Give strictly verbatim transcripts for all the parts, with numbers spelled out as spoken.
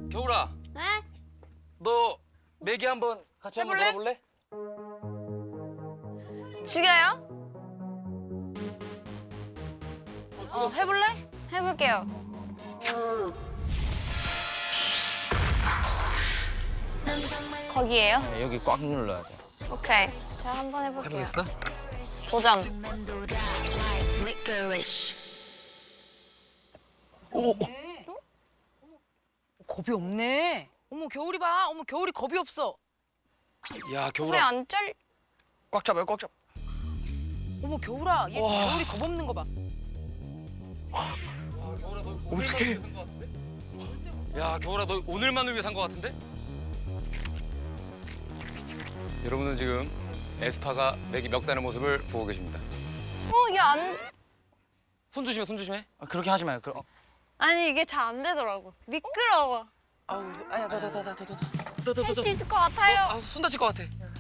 겨울아, 네? 너 매기 한번 같이 한번 해볼래? 놀아볼래? 죽여요? 어, 해볼래? 해볼게요. 거기에요? 네, 여기 꽉 눌러야 돼. 오케이. 제가 한번 해볼게요. 해보겠어? 도전. 오! 겁이 없네. 어머, 겨울이 봐. 어머, 겨울이 겁이 없어. 야, 왜 겨울아. 안 잘? 꽉 잡아요, 꽉 잡아. 어머, 겨울아. 얘 와. 겨울이 겁 없는 거 봐. 어떡해. 야, 겨울아, 너 오늘만을 위해 산 거 같은데? 여러분은 지금 에스파가 매기 멱다는 모습을 보고 계십니다. 어, 얘 안. 손 조심해, 손 조심해. 아, 그렇게 하지 마요. 그럼. 아니 이게 잘 안 되더라고. 미끄러워. 아우, 아니야, 더, 더, 더, 더, 더, 더, 더, 더, 할 더. 수 있을 것 같아요. 아, 손 다칠 것 같아.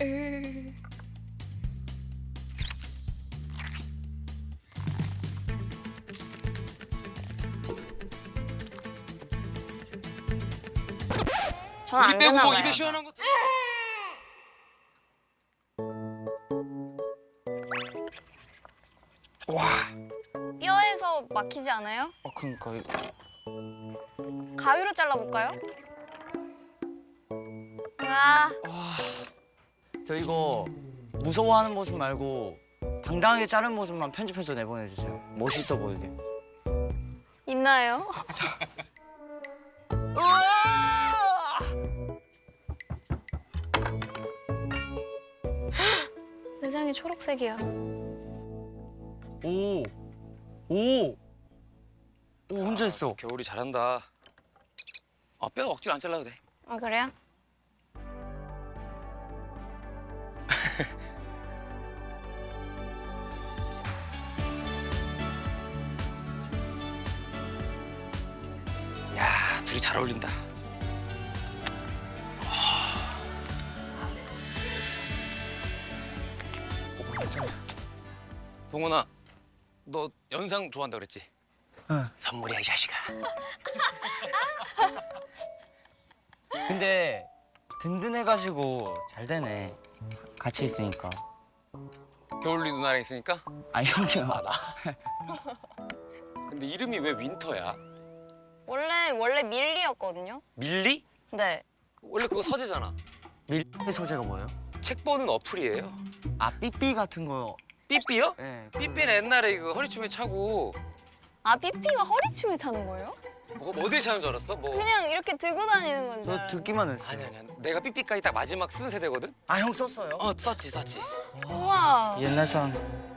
전 안 빼고 되나 뭐 봐요. 입에 시원한 거. 와, 뼈에서 막히지 않아요? 어, 그러니까 가위로 잘라볼까요? 와, 저 이거 무서워하는 모습 말고 당당하게 자른 모습만 편집해서 내보내주세요. 멋있어 보이게. 있나요? 내장이 초록색이야. 오, 오, 오 혼자 했어. 겨울이 잘한다. 아, 뼈 억지로 안 잘라도 돼. 아, 그래요? 야, 둘이 잘 어울린다. 동원아, 너 연상 좋아한다 그랬지? 응. 선물이야, 이 자식아. 근데 든든해가지고 잘 되네. 같이 있으니까. 겨울이 누나랑 있으니까? 아 형이요. 근데 이름이 왜 윈터야? 원래 원래 밀리였거든요. 밀리? 네. 원래 그거 서재잖아. 밀리 소재가 뭐예요? 책 보는 어플이에요. 아 삐삐 같은 거. 삐삐요? 네. 삐삐는 옛날에 그 허리춤에 차고 아, 삐삐가 허리춤을 차는 거예요? 뭐 어디에 차는 줄 알았어? 뭐 그냥 이렇게 들고 다니는 건데. 저 듣기만 했어요. 아니 아니야. 내가 삐삐까지 딱 마지막 쓴 세대거든. 아 형 썼어요? 어 썼지 썼지. 우와. 옛날 사람.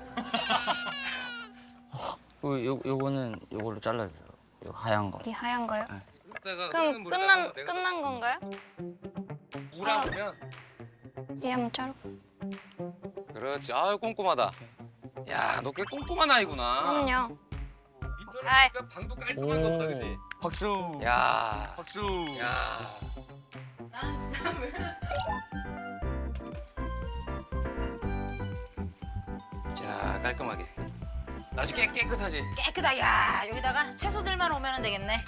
요, 요 요거는 요걸로 잘라주세요. 요 하얀 거. 이 하얀 거요? 네. 그럼 끝난 끝난 건가요? 물어보면 얘 한번 자르고. 그렇지. 아유 꼼꼼하다. 야, 너 꽤 꼼꼼한 아이구나. 그럼요. 아이. 그러니까 방도 깔끔한가 보다, 그지? 박수. 야, 박수. 야. 자, 깔끔하게. 아주 깨, 깨끗하지? 깨끗하. 야, 여기다가 채소들만 오면 되겠네.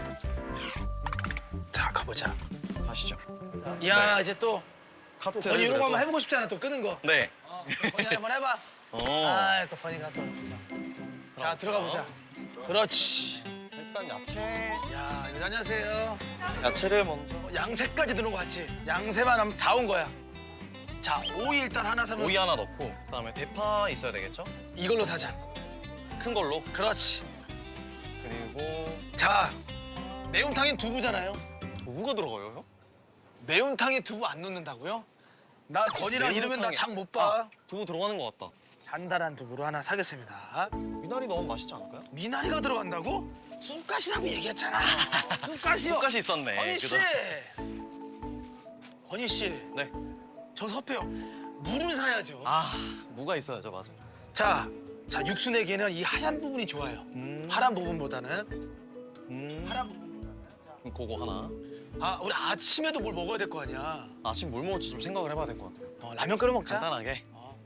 자 가보자. 가시죠. 야 이제 또 카트. 건이 이런 거 한번 해보고 싶잖아. 또 끄는 거. 네. 건이 한번 해봐. 어. 아또 건이가 또. 자 들어가 보자. 그렇지. 일단 야채. 야 이거 안녕하세요. 야채를 먼저. 어, 양새까지 넣는 거 같지? 양새만 하면 다 온 거야. 자 오이 일단 하나 사면 오이 하나 넣고 그다음에 대파 있어야 되겠죠? 이걸로 사자. 큰 걸로. 그렇지. 그리고 자 매운탕엔 두부잖아요. 두부가 들어가요, 형? 매운탕에 두부 안 넣는다고요? 나 건이랑 이러면 나 매운탕에- 장 못 봐. 아, 두부 들어가는 것 같다. 단단한 두부로 하나 사겠습니다. 미나리 넣으면 맛있지 않을까요? 미나리가 들어간다고? 쑥갓이라고 얘기했잖아. 쑥갓이요. 쑥갓이 있었네. 건희 씨. 그죠? 건희 씨. 네. 저 섭해요. 물을 사야죠. 아, 무가 있어야죠, 맞아. 자, 자 육수 내기에는 이 하얀 부분이 좋아요. 음. 파란 부분보다는 음. 파란 부분. 그럼 그거 하나. 아, 우리 아침에도 뭘 먹어야 될 거 아니야. 아침 뭘 먹을지 좀 생각을 해봐야 될 것 같아요. 어, 라면 끓여 먹자. 간단하게.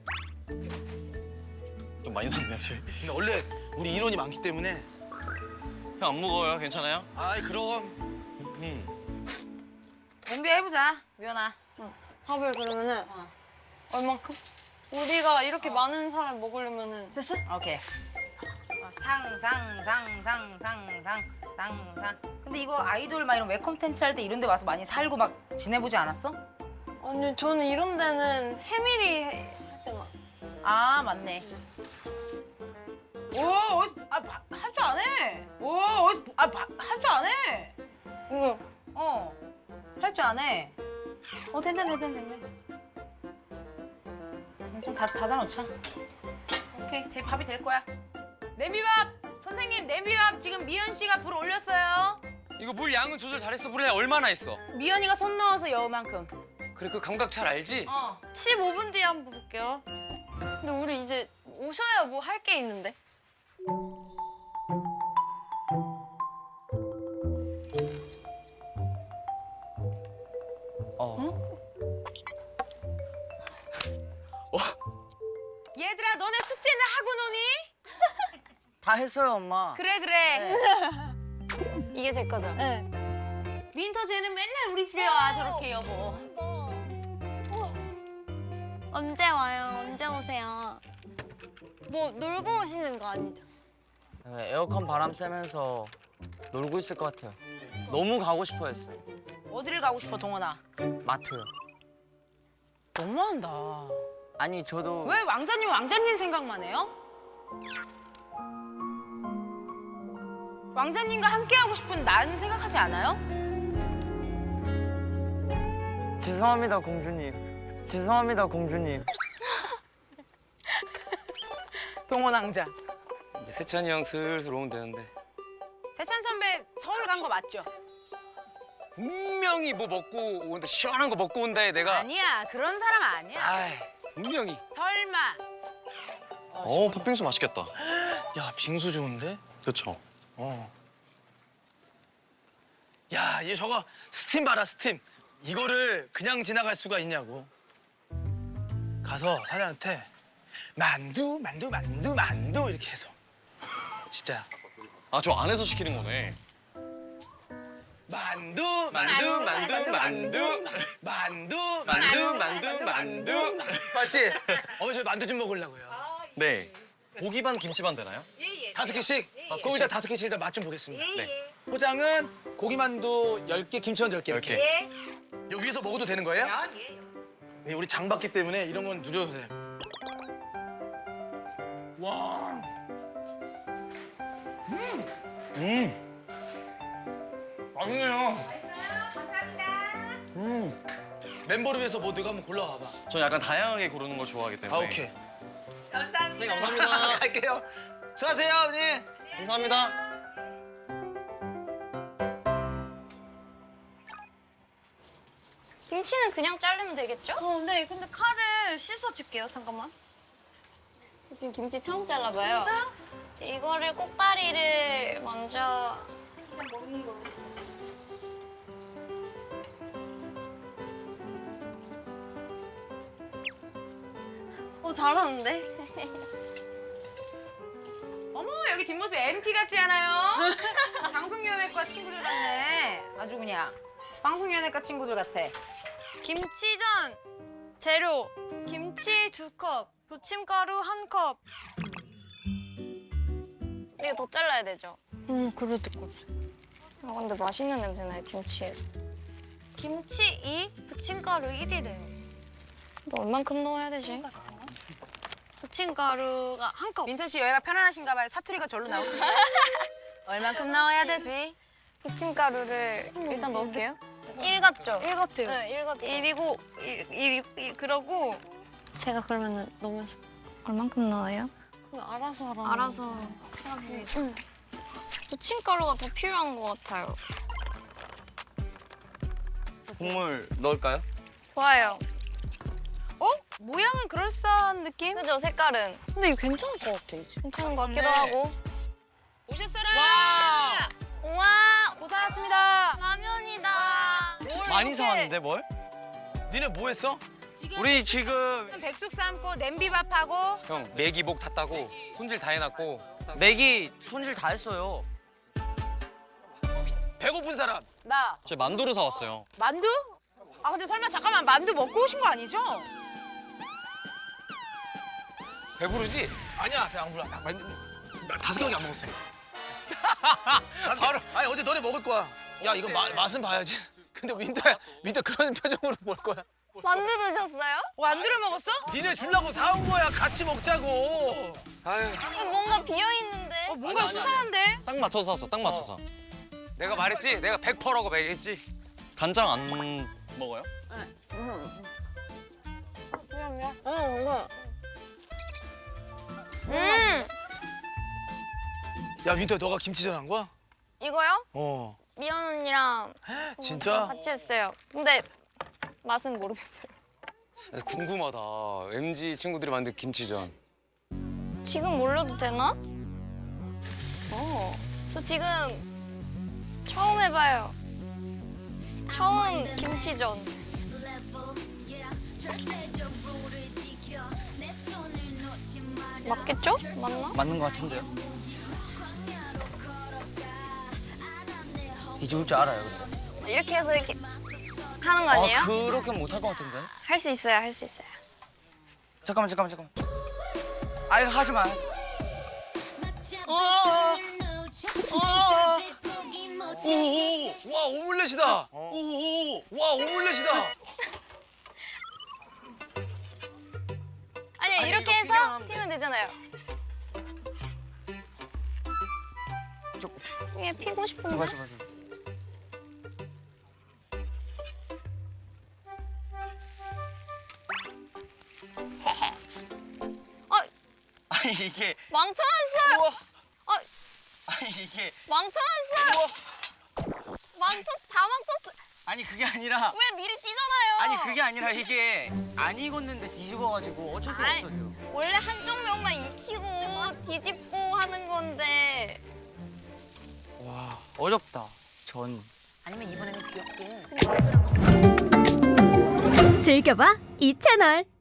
좀 많이 샀네요, 저희. 근데 원래 우리 인원이 많기 때문에. 형 안 무거워요? 괜찮아요? 아이 그럼 음. 준비해보자, 미연아. 밥을 그러면은 어. 얼만큼? 우리가 이렇게 많은 사람 먹으려면은 됐어? 오케이. 어, 상, 상, 상, 상, 상, 상, 상, 상. 근데 이거 아이돌 막 이런 웹 콘텐츠 할 때 이런 데 와서 많이 살고 막 지내보지 않았어? 아니 저는 이런 데는 해밀이 할 때만. 아, 맞네. 오, 어디서, 아, 할 줄 안 해. 오, 어디서, 아, 할 줄 안 해. 이거 어, 할 줄 안 해. 어, 된다, 된다, 된다. 좀 다, 닫아 놓자. 오케이, 대, 밥이 될 거야. 냄비밥! 선생님, 냄비밥 지금 미연 씨가 불 올렸어요. 이거 물 양은 조절 잘했어. 물에 얼마나 했어? 미연이가 손 넣어서 여만큼. 그래 그 감각 잘 알지? 어. 십오 분 뒤에 한번 볼게요. 근데 우리 이제 오셔야 뭐 할 게 있는데. 어. 얘들아, 너네 숙제는 하고 노니? 다 했어요, 엄마. 그래, 그래. 이게 제 거죠? 네. 민터 쟤는 맨날 우리 집에 와, 저렇게 여보. 언제 와요? 언제 오세요? 뭐 놀고 오시는 거 아니죠? 네, 에어컨 바람 쐬면서 놀고 있을 것 같아요. 너무 가고 싶어 했어요. 어디를 가고 싶어, 동원아? 마트요. 너무한다. 아니, 저도 왜 왕자님, 왕자님 생각만 해요? 왕자님과 함께 하고 싶은 난 생각하지 않아요? 죄송합니다, 공주님. 죄송합니다, 공주님. 동원 왕자. 이제 세찬이 형 슬슬 오면 되는데. 세찬 선배 서울 간 거 맞죠? 분명히 뭐 먹고 온다 시원한 거 먹고 온다 해 내가. 아니야, 그런 사람 아니야. 아이 분명히. 설마. 어, 팥빙수 맛있겠다. 야 빙수 좋은데? 그쵸? 어. 야, 얘 저거 스팀 봐라, 스팀. 이거를 그냥 지나갈 수가 있냐고. 가서 사장한테 만두, 만두, 만두, 만두 이렇게 해서. 진짜. 아, 저 안에서 시키는 거네. 만두, 만두, 만두, 만두, 만두, 만두, 만두, 만두. 맞지? 어머니 저 만두 좀 먹으려고요. 네. 고기 반, 김치 반 되나요? 다섯 개씩? 그럼 일단 다섯 개씩 일단 맛 좀 보겠습니다. 네. 포장은 고기만두 열 개, 김치만두 열 개 열 이렇게. 개. 여기 위에서 먹어도 되는 거예요? 네, 우리 장 봤기 때문에 이런 건 누려도 돼요. 와. 음. 맛있네요. 음. 멤버를 위해서 뭐 내가 한번 골라와봐. 저 약간 다양하게 고르는 걸 좋아하기 때문에. 아, 오케이. 네, 감사합니다. 갈게요. 수고하세요, 어머니. 감사합니다. 김치는 그냥 자르면 되겠죠? 어, 네. 근데 칼을 씻어줄게요. 잠깐만. 지금 김치 처음 잘라봐요. 이거를 꼭다리를 먼저 어, 잘하는데? 어머, 여기 뒷모습 엠티 같지 않아요? 방송연예과 친구들 같네. 아주 그냥 방송연예과 친구들 같아. 김치전 재료 김치 두 컵, 부침가루 한 컵. 이거 더 잘라야 되죠? 음, 그래도 거지. 아 근데 맛있는 냄새 나요 김치에서. 김치 이, 부침가루 일이래요. 근데 얼만큼 넣어야 되지? 부침가루가 한 컵. 민턴 씨 여기가 편안하신가 봐요. 사투리가 절로 나오시네. 얼만큼 넣어야 되지? 부침가루를 일단 넣을게요. 일 같죠? 일 같아요. 네, 일 같죠. 일이고 일, 일, 일 그러고 제가 그러면은 넣으면서 얼만큼 넣어요? 그거 알아서 하라. 알아서 하기 위해서. 부침가루가 더 필요한 것 같아요. 국물 넣을까요? 좋아요. 어? 모양은 그럴싸한 느낌? 그죠? 색깔은 근데 이거 괜찮을 것 같아 이제. 괜찮은 것 같기도 네. 하고. 오셨어라! 와! 우와! 고생하셨습니다. 라면이다. 많이 이렇게. 사왔는데 뭘? 니네 뭐 했어? 우리 지금 백숙 삶고 냄비밥하고 형 매기복 탔다고 손질 다 해놨고. 맥이 손질 다 했어요. 배고픈 사람. 나 저 만두를 사왔어요. 만두? 아 근데 설마 잠깐만 만두 먹고 오신 거 아니죠? 배부르지? 아니야 배 안 불러. 나 만두 다섯 개밖에 안 먹었어. 바로. 아니 어제 너네 먹을 거야. 야 이거 마, 맛은 봐야지. 근데 윈터야 윈터 그런 표정으로 볼 거야. 만두 드셨어요? 만두를 먹었어? 니네 주려고 사온 거야. 같이 먹자고. 아유, 뭔가 비어 있는데. 어 뭔가 수상한데? 딱 맞춰서 샀어. 딱 맞춰서. 내가 말했지? 내가 백 퍼센트라고 말했지? 간장 안 먹어요? 음 야 윈터 너가 김치전 한 거야? 이거요? 어. 미연 언니랑 진짜? 같이 했어요. 근데 맛은 모르겠어요. 궁금하다. 엠지 친구들이 만든 김치전. 지금 올려도 되나? 어. 저 지금 처음 해봐요. 처음 김치전. 맞겠죠? 맞나? 맞는 것 같은데요? 뒤집을 줄 알아요. 근데. 이렇게 해서 이렇게 하는 거 아니에요? 아, 그렇게 못할 것 같은데? 할 수 있어요, 할 수 있어요. 잠깐만 잠깐만 잠깐만. 아 이거 하지 마. 오오 와 오믈렛이다. 오오 와 오믈렛이다. 아니, 아니, 이렇게 이거 해서 피자만 하면 피면 되잖아요. 쭉. 이게 피고 싶은데? 맞아 맞아. 어, 아니 이게 망쳐놨어요! 우와. 어, 아니 이게 망쳐놨어요! 우와. 망쳐, 다 망쳤어. 아니 그게 아니라 왜 미리 찌잖아요. 아니 그게 아니라 이게 안 익었는데 뒤집어가지고 어쩔 수가 아이, 없어요. 원래 한쪽 면만 익히고 뒤집고 하는 건데. 와 어렵다. 전. 아니면 이번에는 귀엽게. 즐겨봐 이 채널.